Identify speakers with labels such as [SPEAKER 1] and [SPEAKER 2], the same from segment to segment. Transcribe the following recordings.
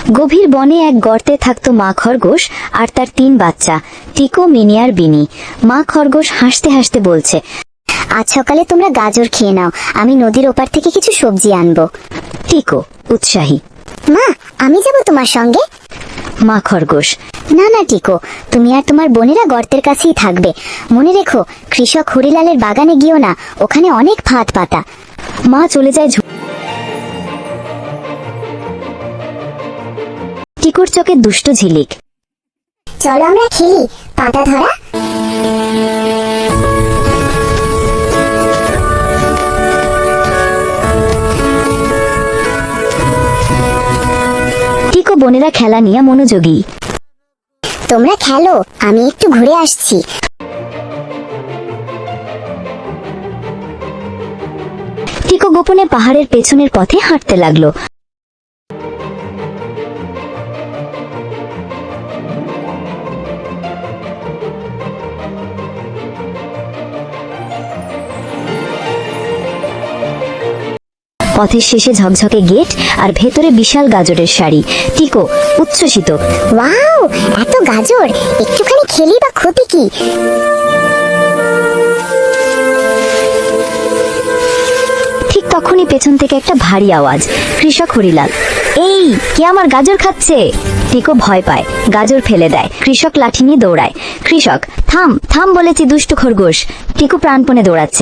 [SPEAKER 1] গভীর বনে এক গর্তে থাকতো মা খরগোশ আর তার 3 বাচ্চা, টিকো, মিনি আর বিনি। মা খরগোশ হাসতে হাসতে বলছে,
[SPEAKER 2] আজ সকালে তোমরা গাজর খেয়ে নাও, আমি নদীর ওপার থেকে কিছু সবজি আনবো।
[SPEAKER 1] টিকো উৎসাহী,
[SPEAKER 2] মা, আমি যাব তোমার সঙ্গে।
[SPEAKER 1] মা খরগোশ,
[SPEAKER 2] না না টিকো, তুমি আর তোমার বোনেরা গর্তের কাছেই থাকবে। মনে রেখো, কৃষক হরিলালের বাগানে গিয়েও না, ওখানে অনেক ফাঁদ পাতা।
[SPEAKER 1] মা চলে যায়। টিকোর চোখে দুষ্ট ঝিলিক।
[SPEAKER 2] চলো আমরা খেলি পাতা ধরা।
[SPEAKER 1] টিকো বোনেরা খেলা নিয়ে মনোযোগী।
[SPEAKER 2] তোমরা খেলো, আমি একটু ঘুরে আসছি।
[SPEAKER 1] টিকো গোপনে পাহাড়ের পেছনের পথে হাঁটতে লাগলো। পথের শেষে ঝকঝকে গেট আর ভেতরে বিশাল গাজরের শাড়ি। টিকো উচ্ছ্বসিত,
[SPEAKER 2] ওয়াও, এত গাজর! একটুখানি খেলি বা ক্ষতি কি?
[SPEAKER 1] ঠিক তখনই পেছন থেকে একটা ভারী আওয়াজ। কৃষক হরিলাল, এই কে আমার গাজর খাচ্ছে? টিকো ভয় পায়, গাজর ফেলে দেয়। কৃষক লাঠি নিয়ে দৌড়ায়। কৃষক, থাম থাম বলেছি দুষ্ট খরগোশ। টিকো প্রাণপণে দৌড়াচ্ছে।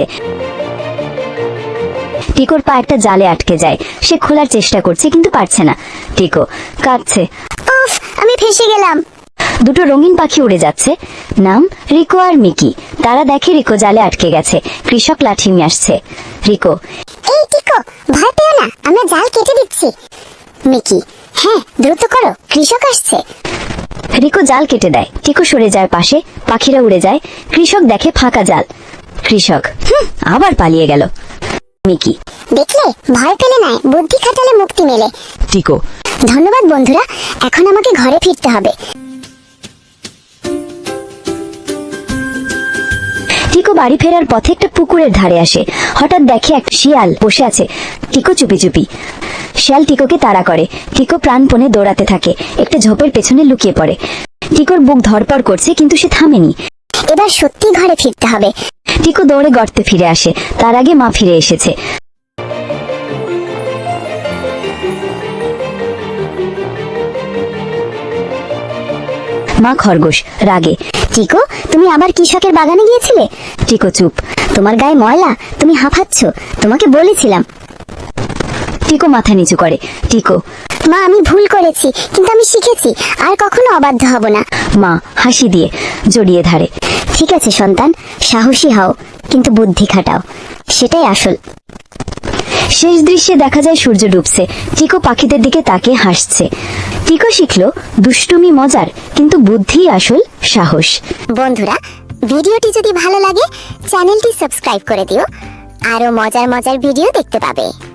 [SPEAKER 1] টিকোর পা একটা জালে আটকে যায়। সে খোলার চেষ্টা করছে কিন্তু পারছে না। টিকো কাঁদছে,
[SPEAKER 2] উফ, আমি ফেঁসে গেলাম।
[SPEAKER 1] দুটো রঙিন পাখি উড়ে যাচ্ছে, নাম রিকো আর মিকি। তারা দেখে রিকো জালে আটকে গেছে। কৃষক লাঠি নিয়ে আসছে। রিকো,
[SPEAKER 2] এই টিকো, ভয় পেও না, আমরা জাল কেটে দিচ্ছি। মিকি, হ্যাঁ দ্রুত করো, কৃষক আসছে।
[SPEAKER 1] রিকো জাল কেটে দেয়। টিকো সরে যায় পাশে, পাখিরা উড়ে যায়। কৃষক দেখে ফাঁকা জাল। কৃষক, আবার পালিয়ে গেল। মিকি,
[SPEAKER 2] দেখলে, ভয় পেলে নাই, বুদ্ধি খাটালে মুক্তি মেলে।
[SPEAKER 1] টিকো,
[SPEAKER 2] ধন্যবাদ বন্ধুরা, এখন আমাকে ঘরে ফিরতে হবে।
[SPEAKER 1] টিকো বাড়ি ফেরার পথে একটা পুকুরের ধারে আসে। হঠাৎ দেখে এক শিয়াল বসে আছে। টিকো চুপি চুপি। শিয়াল টিকোকে তাড়া করে। টিকো প্রাণপণে দৌড়াতে থাকে, একটা ঝোপের পেছনে লুকিয়ে পড়ে। টিকোর বুক ধড়পড় করছে কিন্তু সে থামেনি।
[SPEAKER 2] এবার সত্যি ঘরে ফিরতে হবে।
[SPEAKER 1] টিকো দৌড়ে গর্তে ফিরে আসে। তার আগে মা ফিরে এসেছে। মা খরগোশ রাগে,
[SPEAKER 2] টিকো, তুমি আবার কৃষকের বাগানে গিয়েছিলে?
[SPEAKER 1] টিকো চুপ।
[SPEAKER 2] তোমার গায়ে ময়লা, তুমি হাঁপাচ্ছ, তোমাকে বলেছিলাম।
[SPEAKER 1] টিকো মাথা নিচু করে। টিকো,
[SPEAKER 2] মা, আমি ভুল করেছি, কিন্তু আমি শিখেছি, আর কখনো অবাধ্য হব না।
[SPEAKER 1] মা হাসি দিয়ে জড়িয়ে ধরে।
[SPEAKER 2] ঠিক আছে সন্তান, সাহসী হও, কিন্তু বুদ্ধি খাটাও, সেটাই আসল।
[SPEAKER 1] শেষ দৃশ্যে দেখা যায় সূর্য ডুবছে। টিকো পাখিদের দিকে তাকিয়ে হাসছে। টিকো শিখলো, দুষ্টুমি মজার, কিন্তু বুদ্ধি আসল সাহস।
[SPEAKER 2] বন্ধুরা, ভিডিওটি যদি ভালো লাগে চ্যানেলটি সাবস্ক্রাইব করে দিও, আরো মজার মজার ভিডিও দেখতে পাবে।